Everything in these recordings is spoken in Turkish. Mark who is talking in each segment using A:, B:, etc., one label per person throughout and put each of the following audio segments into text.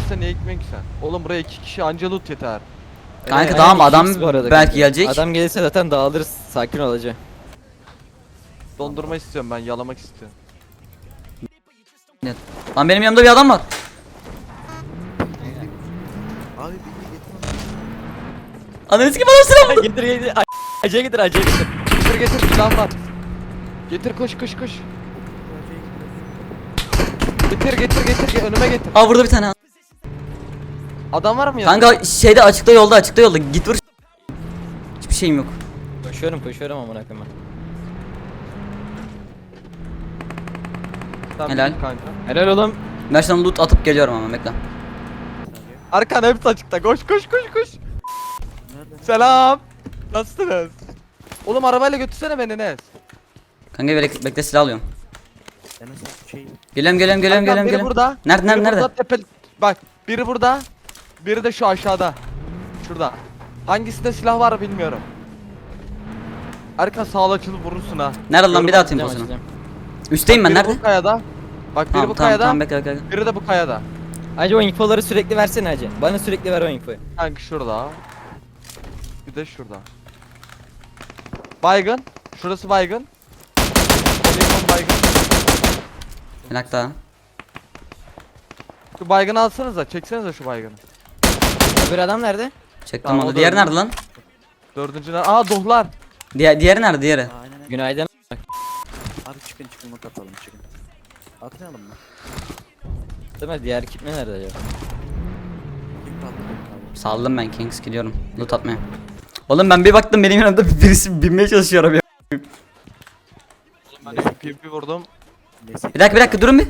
A: gelirse niye gitmiyorsun ki sen? Oğlum buraya 2 kişi anca loot yeter.
B: Kanka tamam adam
C: ikimiz bu arada
B: belki
C: kanka.
B: gelecek.
C: Adam gelirse zaten dağılırız. Sakin ol hacı.
A: Dondurma istiyorum ben, yalamak istiyorum.
B: Lan benim yanımda bir adam var.
D: Abi beni getir.
B: Ananı sikeyim adam silah vurdu.
C: Getir getir. Acıya getir acıya getir.
A: Getir silah var. Getir koş. Getir önüme getir.
B: Aa burada bir tane.
A: Adam var mı yanında?
B: Kanka şeyde açıkta yolda git vur. Hiçbir şeyim yok.
C: Koşuyorum amına koyayım.
A: Tamam,
B: Helal.
A: gidin kanka.
C: Helal oğlum.
B: Ben şimdi loot atıp geliyorum ama bekle.
A: Arkan hepsi açıkta. Koş.
D: Nerede?
A: Selam. Nasılsınız? Oğlum arabayla götürsene beni Enes.
B: Kanka bekle silah alıyorum.
D: Enes şey.
B: Geliyorum.
A: Biri burada.
B: Nerede?
A: Biri burada, bak biri burada. Biri de şu aşağıda. Şurada. Hangisinde silah var bilmiyorum. Arka sağla açılıp vurursun ha.
B: Nerede lan bir daha atayım
C: Açacağım,
B: posunu.
C: açacağım.
B: Üstteyim ben
A: Biri
B: nerede?
A: bu kayada. Bak biri bu kayada.
B: Tamam bekle.
A: Biri de bu kayada.
C: Hacı o infoları sürekli versene hacı. Bana sürekli ver o infoyu.
A: Kanka şurada. Bir de şurada. Baygın. Şurası baygın. Telefon baygın.
B: Bir dakika.
A: Şu baygını alsanıza. Çeksenize şu baygını.
C: Öbür adam nerede?
B: Çektim
A: Tamam, o
B: onu.
A: da
B: Diğeri
A: öyle.
B: nerede lan?
A: Dördüncüler. Aa dohlar.
B: Diğeri nerede diğeri?
D: Aynen.
C: Günaydın.
D: Abi çıkın not atalım çıkın. Atmayalım mı?
C: Değil mi? Diğer kitme nerede acaba?
D: Kim kaldı abi?
B: Saldım ben Kings gidiyorum. Loot atmaya. Oğlum ben bir baktım benim yanımda birisi binmeye çalışıyor arabaya.
A: Ben de PvP vurdum.
D: Neyse.
B: Bir dakika durun bir.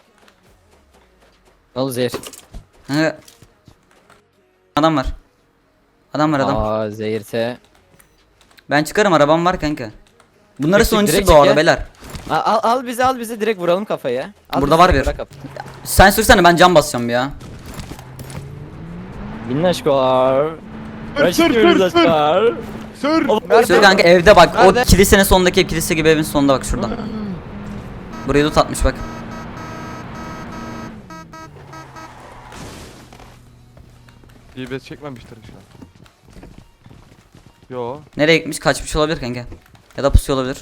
C: Ne oldu Zehir?
B: Kanka. Adam var. Adam.
C: Aa Zehir'se.
B: Ben çıkarım arabam var kanka. Bunların
C: Çık,
B: sonuncusu
C: direkt
B: bu
C: çık
B: arada
C: ya.
B: beyler.
C: Al bizi direkt vuralım kafaya. Al
B: Burada
C: bizi,
B: var bir.
C: bırak kafayı.
B: Sen sürsene ben cam basacağım bir ya.
C: Minnaşkolar.
A: Sür. Sür.
B: Sür kanka evde bak.
A: Nerede?
B: O kilisenin sonundaki kilise gibi evin sonunda bak şurada. Burayı loot atmış bak.
A: DBS çekmemiştir şu an. Yo.
B: Nereye gitmiş? Kaçmış olabilir kanka. Ya da pusuyor olabilir.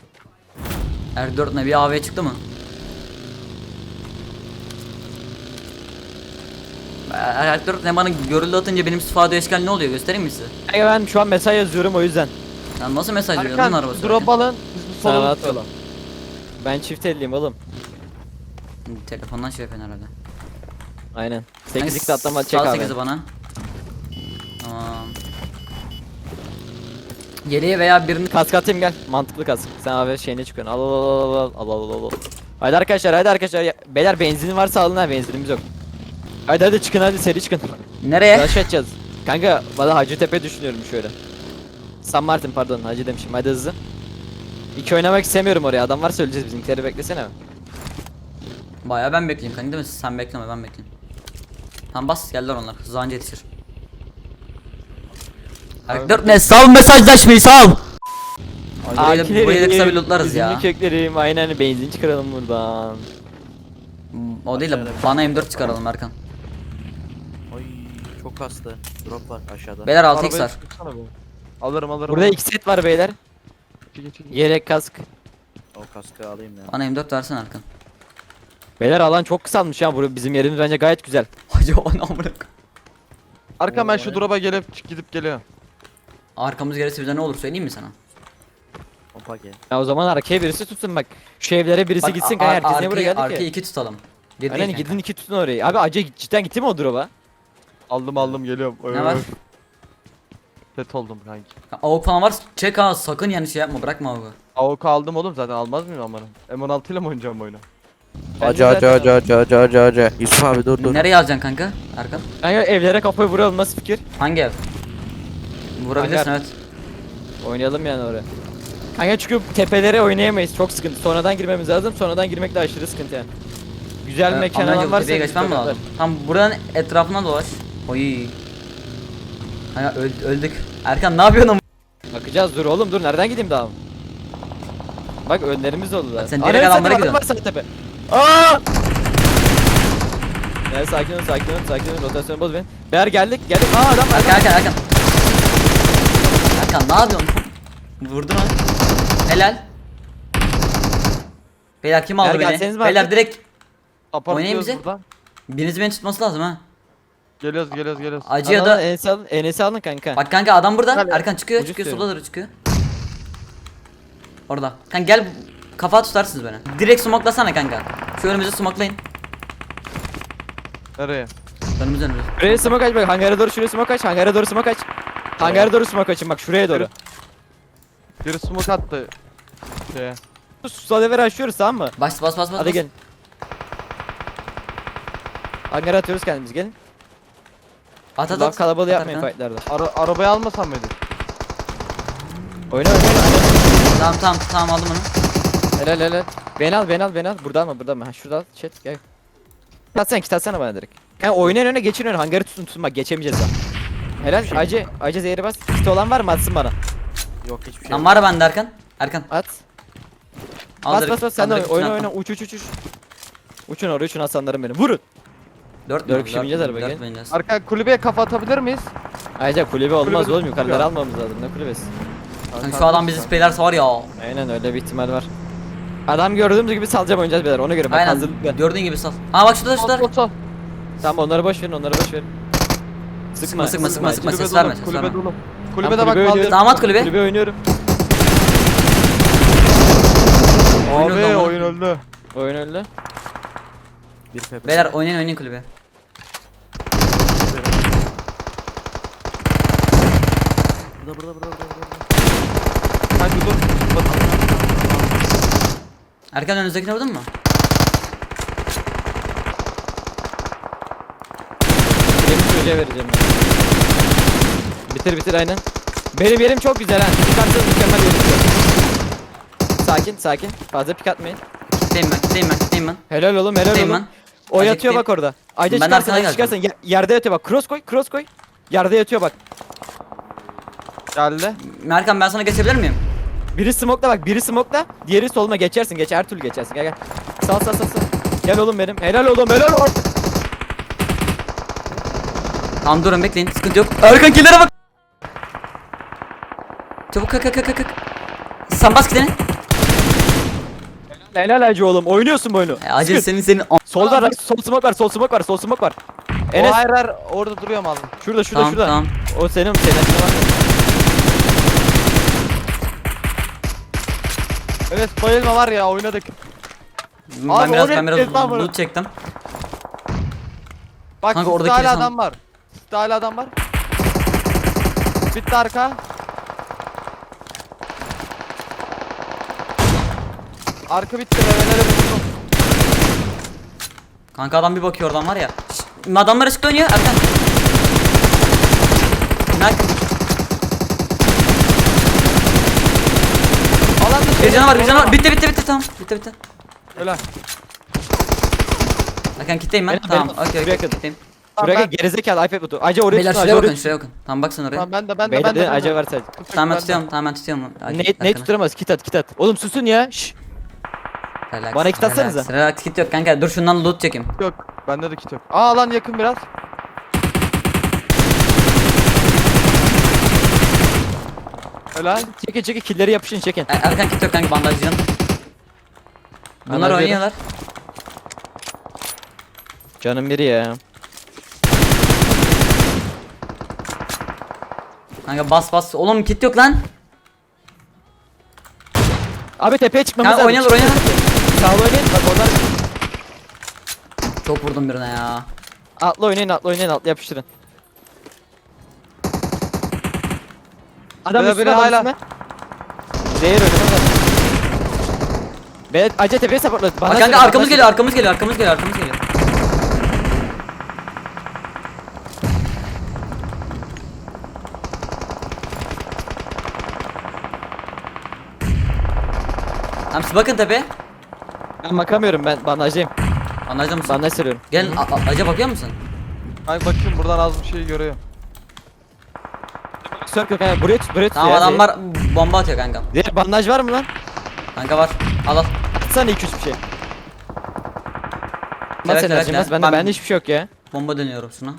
B: R4 ne bir AV'ye çıktı mı? R4 ne bana görüldü atınca benim sifade eşkal ne oluyor göstereyim mi size?
C: Kanka ben şu an mesaj yazıyorum o yüzden.
B: Sen nasıl mesaj veriyorsun
A: Arkan
B: lan arabası?
A: drop alın. Biz bu
C: Sana
A: solunu
C: rahat ol.
A: tutalım.
C: Ben çift elliyim oğlum.
B: Telefondan şey yapıyorsun herhalde.
C: Aynen.
B: Kanka,
C: 8'likte atlama çek
B: sal
C: abi.
B: 8'i bana. Tamam. Yeleğe veya birini
C: Kask atayım gel. Mantıklı kask. Sen abi şeyine çıkıyorsun. Al. Haydi arkadaşlar. Beyler benzin varsa alın ha, benzinimiz yok. Hadi çıkın hadi seri çıkın.
B: nereye?
C: Rush edeceğiz. Kanka valla Hacıtepe düşünüyorum şöyle. San Martin pardon Hacı demişim hadi hızlı. İki oynamak istemiyorum oraya, adam varsa öleceğiz, bizimkileri beklesene.
B: Bayağı ben bekleyeyim kanka değil mi? Sen bekleme ben bekleyeyim. Tamam bas geldiler onlar hızlı anca yetişir. R4 ne sal mesajlaşmayı sal. Burayı da kısa bir lootlarız ya.
C: Köklerim aynen, benzin çıkaralım buradan.
B: O değil de bana M4 çıkaralım Erkan.
D: Ay çok hastı. Drop var aşağıda.
B: Beyler 6x
A: Arabayı
B: var.
A: tutsana be. Alırım.
C: Burada iki set var beyler.
A: Çek.
C: Yelek kask.
D: O kaskı alayım ya.
B: Bana M4 versene Erkan.
C: Beyler alan çok kısalmış ya, burası bizim yerimiz bence gayet güzel.
B: Hacı o ne amına.
A: Arkan ben şu drop'a gidip geliyorum.
B: Arkamız gelirse bize ne olur söyleyeyim mi sana?
D: Pompa gel.
C: Ya o zaman arkaya birisi tutsun bak. Şu evlere birisi
B: Bak,
C: gitsin kanka, herkes niye buraya geldi
B: arkaya
C: ki?
B: 2 tutalım. Geri
C: Aynen
B: değil
C: gidin
B: kanka.
C: iki tutun orayı. Abi acı cidden gitti mi o drop'a?
A: Aldım geliyorum.
B: Ne var?
A: Set oldum kanki.
B: Avuk falan var çek ha sakın yani şey yapma bırakma avuku.
A: AWP aldım oğlum zaten, almaz mıyım amanın? M16 ile mi oynayacağım bu oyunu?
D: Acı. Yusuf abi dur.
B: Nereye alacaksın kanka Erkan?
C: Kanka evlere kafayı vuralım, nasıl fikir?
B: Hangi ev? Vurabilirsin
C: Hangar.
B: evet.
C: Oynayalım yani oraya. Kanka çünkü tepelere oynayamayız, çok sıkıntı. Sonradan girmemiz lazım, sonradan girmek de aşırı sıkıntı yani. Güzel mekan
B: Ama önce
C: alan
B: bu
C: varsa
B: tepeye geçmem mi
C: güzel
B: lazım? Tam buranın etrafına dolaş. Oy. Hayır öldük. Erkan ne yapıyorsun ama?
C: bakacağız, dur oğlum dur, nereden gideyim daha? Bak önlerimiz oldu da.
B: Sen direkt adamlara gidiyorsun.
C: Var sağ tepe. Aa! Evet, sakin olun, sakin olun, sakin olun. Rotasyonu bozmayın. Beyler geldik. Aa adam var.
B: Erkan Erkan Erkan. Erkan ne yapıyorsun? Vurdun onu. Helal. Beyler kim aldı
C: Beyler
B: beni?
C: gelseniz mi
B: Beyler
C: artık?
B: direkt
A: Apartıyoruz
B: bize.
A: buradan.
B: biriniz beni tutması lazım ha.
A: Geliyoruz.
B: Acı ya da
C: Enes'i alın kanka.
B: bak kanka adam burada.
A: Gel.
B: Erkan çıkıyor,
C: Ucuz
B: çıkıyor,
C: diyor.
B: sola doğru çıkıyor. Orada. Kanka gel kafa tutarsınız beni. Direkt smoklasana kanka. Şu önümüzü smoklayın.
A: Nereye?
B: Önümüz.
C: Şuraya smoke aç bak. Hangara doğru şuraya smoke aç. Hangara doğru smoke aç. Hangara doğru smoke açın bak şuraya doğru.
A: Biri smoke attı. Şeye.
C: Salaver açıyoruz tamam mı?
B: Bas.
C: Hadi gelin. Hangara atıyoruz kendimiz gelin.
B: At.
C: Lan kalabalığı
B: At
C: yapmayın
B: Erkan.
C: fightlarda.
A: Arabayı almasam mıydık?
C: Oyna.
B: Tamam aldım onu.
C: Helal. Beni al. Buradan mı? Ha şurada al. Chat gel. Kit atsana bana direkt. Kanka oynayın öne geçin öne. Hangarı tutun bak geçemeyeceğiz daha. Helal. Acı zehri bas. Kit olan var mı atsın bana.
D: Yok hiçbir şey
B: Lan
D: yok.
B: var bende Erkan. Erkan.
C: At.
B: Al
C: Bas sen de
B: al direkt
C: oyna
B: üstüne
C: oyna uç. Uçun oraya uçun aslanlarım benim. Vurun.
B: 4
C: kişi bineceğiz arabaya, gel.
B: bineceğiz.
A: Arka kulübeye kafa atabilir miyiz?
C: Ayrıca kulübe olmaz
A: Kulübe
C: oğlum yukarıları
A: tutuyor.
C: almamız lazım ne kulübesi.
B: Kanka şu adam bizi speylerse var ya.
C: Aynen öyle bir ihtimal var. Adam gördüğümüz gibi salacağım oynayacağız beyler ona göre bak
B: Aynen.
C: hazırlıklı.
B: Gördüğün gibi sal. Aa bak şurada.
A: Sol.
C: Tamam onları boş verin.
B: Sıkma,
C: Sıkma.
B: ses
A: Kulübe
B: verme,
A: dolu.
B: ses
A: Kulübe
B: verme.
A: dolu.
C: Tamam,
A: Kulübede bak
C: kulübe
A: kaldır.
C: oynuyorum.
B: Damat kulübe.
C: Kulübe oynuyorum.
A: Abi
B: Oyun
A: oyun öldü.
C: Oyun öyle.
D: Bir pepe.
B: Beyler oynayın kulübe.
D: Burada.
A: Kanka dur.
B: Erkan önünüzdekine vurdun mu?
C: Benim çocuğa vereceğim ben. Bitir aynen. Benim yerim çok güzel ha. Pik atsanız mükemmel yerim. Sakin. Fazla pik atmayın.
B: Kitleyim ben.
C: Helal oğlum.
B: Kitleyim ben.
C: O
B: Acı
C: yatıyor
B: kitleyim.
C: bak orada. Ayca
B: Ben
C: çıkarsın,
B: arkana
C: çıkarsın. Yerde yatıyor bak. Cross koy. Yerde yatıyor bak.
A: Geldi.
B: Erkan ben sana geçebilir miyim?
C: Biri smoke'la, diğeri soluma geçersin. Her türlü geçersin. Gel. Sal. Gel oğlum benim. Helal oğlum.
B: Tamam durun bekleyin. Sıkıntı yok. Erkan killere bak. Çabuk kalk. Sen bas kitlerini.
C: Helal acı oğlum. Oynuyorsun bu oyunu.
B: Acil
C: Sıkın.
B: senin
C: Solda sol smoke var. Enes
A: O hayır orada duruyorum abi.
C: şurada.
B: Tamam.
C: O senin var.
A: Evet bayılma var ya oynadık.
B: Ben
A: Abi,
B: biraz
A: oraya gittim lan bunu.
B: loot çektim.
A: Bak
B: Kanka,
A: sizde
B: oradaki
A: hala
B: insan-
A: adam var. Sizde hala adam var. Bitti arka. Arka bitti. Revelere vurdum.
B: Kanka adam bir bakıyor oradan var ya. Adamlar ışıkta oynuyor Erkan. Erkan.
A: Alanda
B: Bir canı var. Bitti tamam. Bitti.
A: Öyle.
B: Erkan kitleyim ben.
C: Benim-
B: Tamam.
C: benim-
B: Okey.
C: şuraya kadar.
B: Kitleyim.
C: Şuraya
A: ben-
C: gel gerizekalı iPad butu. Acı oraya
B: Beyler
C: tutun.
B: şuraya bakın. Tamam bak sen oraya.
A: Tamam ben de.
C: Beyler acı var sadece.
B: Tamam ben tutuyorum. Ben tutuyorum.
C: Ne tutturamaz kit at. Oğlum susun ya. Şşş.
B: Relax,
C: Bana kit atsanıza.
B: Relax kit yok kanka. Dur şundan loot çekeyim.
A: Yok. Bende de kit yok. Aa lan yakın biraz. Öyle.
C: Çekin killeri yapışın çekin.
B: Erkan kit yok kanka bandajcının. Bunlar
C: Bandajcı
B: oynuyorlar.
C: Canım biri ya.
B: Kanka bas. Oğlum kit yok lan.
C: Abi tepeye çıkmamız
B: Kanka
C: lazım.
B: oynuyorlar.
C: Sağ oynayın bak onlar.
B: Çok vurdum birine ya.
C: Atla oynayın yapıştırın. Adam
A: Biri
C: üstüne
A: hala-
C: Zehir oynamaz. Ben acı tepeye supportla.
B: Bak kanka arkamız geliyor. Tamam siz bakın tepe.
C: Ben bakamıyorum ben bandajcıyım.
B: Bandajda mısın?
C: Bandaj seriyorum.
B: Gel Acaba bakıyor musun?
A: Ay bakayım buradan az bir şey görüyorum.
C: Circle kanka buraya tut
B: Tamam
C: ya,
B: adamlar bomba atıyor kanka.
C: Zehir bandaj var mı lan?
B: Kanka var. Al.
C: Atsana 2-3 bir şey. Nasıl
B: bekle,
C: enerjim
B: bekle.
C: var? Bende hiçbir şey yok ya.
B: Bomba dönüyorum şuna.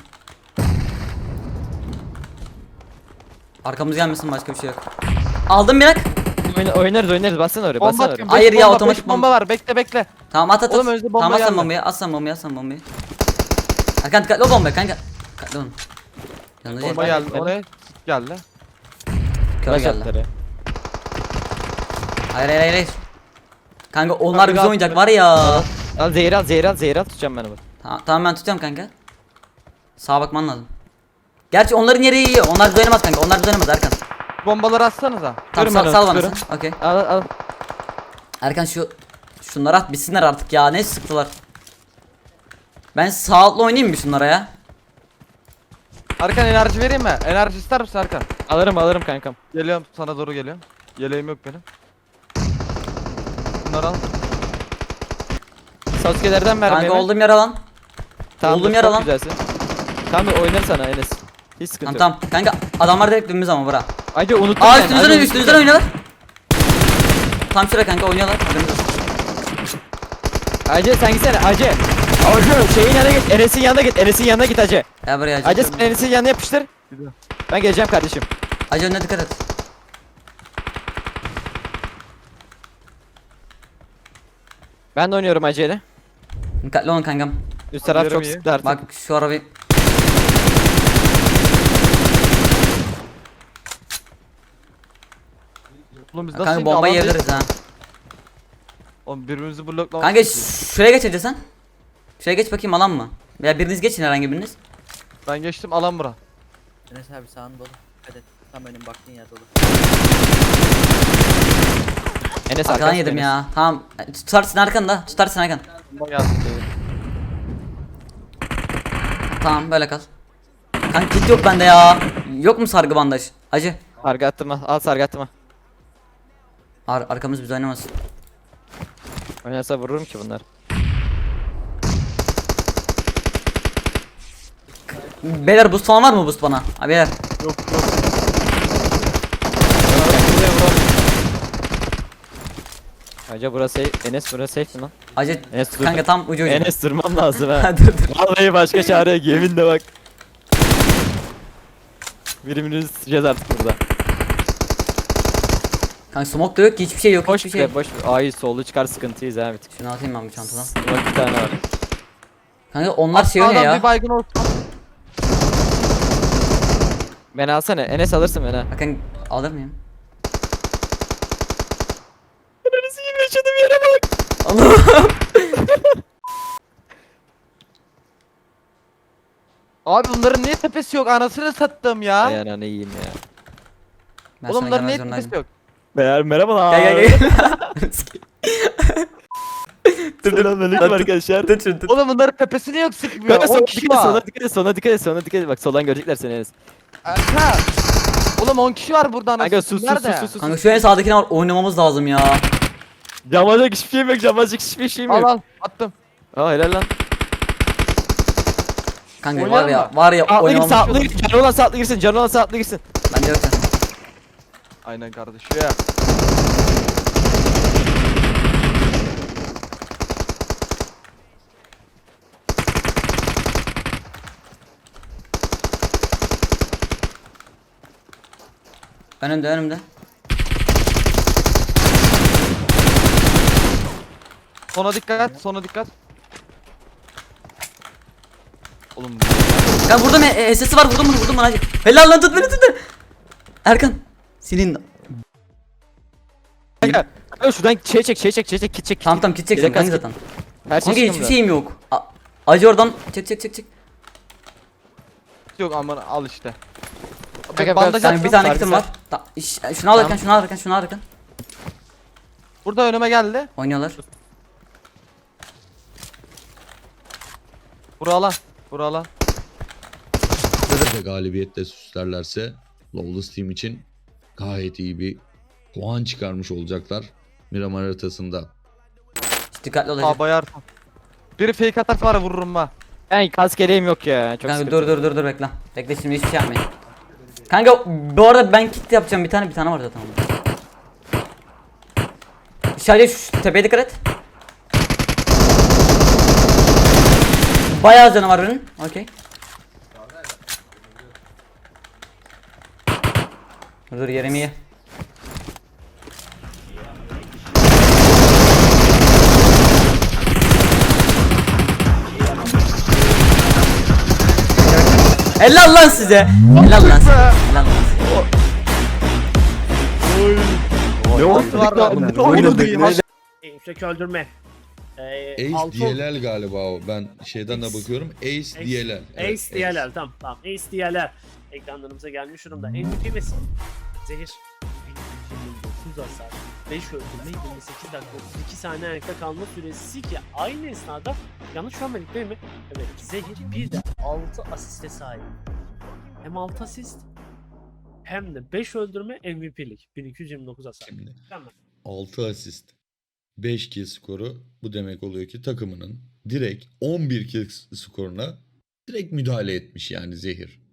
B: Arkamız gelmesin, başka bir şey yok. Aldım bir.
C: Oynarız bassana oraya
A: Bomba
C: bassana oraya.
A: atıyorum.
B: Hayır
A: beş
B: ya,
A: bomba,
B: otomatik
A: beş bomba var. Bekle bekle.
B: Tamam at.
A: Oğlum önce bomba
B: Tamam at sen
A: geldi.
B: bombayı, at sen bombayı, at sen bombayı. Erkan dikkatli ol bombaya kanka. Dikkatli olun. Yanına
A: Bomba
B: gel.
A: geldi. Oraya geldi.
B: Kör
C: Flash
B: geldi.
C: atları.
B: Hayır. Kanka onlar
A: Kanka,
B: bize
A: at
B: oynayacak
A: bunu.
B: var ya.
C: Al zehir al tutacağım ben onu.
B: Tamam ben tutuyorum kanka. Sağa bakman lazım. Gerçi onların yeri iyi. Onlar bize oynamaz kanka. Onlar bize oynamaz Erkan.
A: Bombaları atsanıza.
B: Tamam
C: Tutuyorum ben
B: sal
C: onu,
B: bana
C: tutuyorum.
B: sen. Okey.
C: Al.
B: Erkan şunları at bitsinler artık ya. Ne sıktılar. Ben sağlıklı oynayayım mı şunlara ya?
A: Erkan enerji vereyim mi? Enerji ister misin Erkan?
C: Alırım kankam.
A: Geliyorum sana doğru geliyorum. Yeleğim yok benim. Bunları al.
C: Sasuke'lerden ver
B: Kanka
C: beni.
B: olduğum yer alan.
C: Tamam,
B: oldum
C: dur,
B: yer
C: çok
B: alan.
C: güzelsin. Tamam oynar sana Enes. Hiç sıkıntı
B: Tamam
C: yok.
B: tamam. Kanka adamlar direkt dibimiz ama bura.
C: Acı unuttum
B: Aa
C: ben,
B: üstümüzden
C: acı
B: üstümüzden
C: unuttum.
B: oynuyorlar. Tam şuraya kanka oynuyorlar. Haberiniz olsun.
C: Acı sen gitsene Acı. Acı şeyin yanına git. Enes'in yanına git Acı.
B: Ya buraya
C: Acı
B: acı.
C: sen Enes'in yanına yapıştır.
A: Gidiyor.
C: Ben geleceğim kardeşim.
B: Acı önüne dikkat et.
C: Ben de oynuyorum Acı ile.
B: Dikkatli olun kankam.
C: Üst taraf
A: Yerim
C: çok
A: iyi.
C: sıktı artık.
B: Bak şu arabayı.
A: Oğlum biz nasıl
B: Kanka
A: şimdi
B: bombayı
A: alan
B: yiyebiliriz ha.
A: Oğlum birbirimizi bloklamak.
B: Kanka şuraya geç Ece sen. Şuraya geç bakayım alan mı? Veya biriniz geçin herhangi biriniz.
A: Ben geçtim alan bura.
D: Enes abi sağın dolu. Dikkat et. Tam önüm baktığın yer dolu.
C: Enes
B: Arkadan
C: arkadaş
B: yedim
C: Enes.
B: ya. Tamam. Tutarsın arkanda. Tutarsın arkan.
A: Bomba geldi.
B: Tamam böyle kal. Kanka kit yok bende ya. Yok mu sargı bandaj? Acı.
C: Sargı attırma. Al sargı attırma.
B: Arkamız biz oynamasın.
C: Oynarsa vururum ki bunlar.
B: Beyler boost falan var mı boost bana? Abi beyler.
A: Yok.
C: Acı burası Enes burası safe mi lan?
B: Acı.
C: Enes dur.
B: Kanka tam ucu.
C: Enes durmam lazım ha.
B: dur dur.
C: Vallahi başka çare yok yeminle bak. Birimini sıçacağız artık burada.
B: Kanka smoke da yok ki hiçbir şey yok.
C: Boş
B: Hiçbir şey.
C: be boş. Ay sollu çıkar sıkıntıyız ha bir tık.
B: Şunu atayım ben bu çantadan.
C: Bak bir tane var.
B: Kanka onlar şey oynuyor
A: Sağdan
B: ya.
A: bir baygın olsun.
C: Beni alsana Enes alırsın beni ha.
B: Bakın alır mıyım?
C: Enes'i gibi yaşadığım yere bak.
B: Allah'ım.
A: Abi bunların niye tepesi yok? Anasını sattım ya.
C: Ay ananı yiyeyim ya.
B: Ben
A: Oğlum
B: sana
A: bunların niye
B: gelmek
A: tepesi
B: zorundaydım.
A: yok?
C: Beyler merhabalar.
B: Gel.
C: Selamünaleyküm arkadaşlar.
B: Tut şunu tut.
A: Oğlum bunların tepesi niye yok sıkmıyor?
C: Kanka
A: 10
C: sola
A: kişi
C: dikkat et,
A: var.
C: sola dikkat et, sola dikkat et, sola dikkat et. Bak soldan görecekler seni Enes.
A: Ha. Oğlum 10 kişi var burada
C: Kanka
A: anasını.
C: sus
A: Nerede?
C: sus sus.
B: Kanka şu en sağdakine var oynamamız lazım ya.
C: Camacak hiçbir şeyim yok, camacak hiçbir şeyim
A: Al
C: yok.
A: al attım.
C: Aa helal lan.
B: Kanka
A: Oynayalım
B: var ya
C: Sağlı gir,
B: oynamamız.
C: sağlı gir. Canı olan sağlı girsin, canı olan sağlı girsin.
B: Bence yok ya.
A: Aynen kardeşim.
B: Önümde.
A: Sona dikkat, sona dikkat. Oğlum
B: Kanka burada mı? SS'i var vurdum bunu hacı. Helal lan tut beni. Erkan. Senin.
C: Kanka şuradan şey çek, kit çek.
B: Tamam kit çeksin
C: Yedek
B: kanka
C: kask-
B: zaten.
C: Her şey
B: Kanka hiçbir
C: çıkıyor
B: şeyim yok. Acı oradan çek.
A: yok aman al işte.
C: Kanka,
A: Bandaj
C: ben-
B: Kanka bir
A: attım.
B: tane kitim var. Şunu al Erkan, şunu al Erkan.
A: Burada önüme geldi.
B: Oynuyorlar.
A: Buralan. Buralan.
E: Ve galibiyetle süslerlerse Lawless Team için gayet iyi bir puan çıkarmış olacaklar Miramar haritasında.
B: Dikkatli ol Acı.
A: Aa bayar. Biri fake atarsa var ya vururum ha.
C: Ben kask eleğim yok ya. Çok
B: Kanka
C: sıkıntı.
B: dur bekle. Bekle şimdi hiçbir şey yapmayın. Kanka bu arada ben kit yapacağım bir tane var zaten. Sadece şu tepeye dikkat et. Bayağı canı var benim. Okey. Dur yerim iyi. Helal lan size. Helal lan size. Helal lan size.
A: Ne oldu lan? Ne oynadık?
F: Yüksek öldürme.
E: Ace
F: altı-
E: DLL galiba o. Ben şeyden de bakıyorum. Ace DLL. Evet,
F: Ace DLL tamam. Ace DLL ekranlarımıza gelmiş durumda. MVP Messi. Zehir. 19 hasar. 5 öldürme 28 dakika 32 saniye ayakta kalma süresi ki aynı esnada yanlış görmedik değil mi? Evet. Zehir bir de 6 asiste sahip. Hem 6 asist hem de 5 öldürme MVP'lik. 1229 hasar.
E: Şimdi
F: Tamam.
E: 6 asist, 5 kill skoru. Bu demek oluyor ki takımının direkt 11 kill skoruna direkt müdahale etmiş yani Zehir.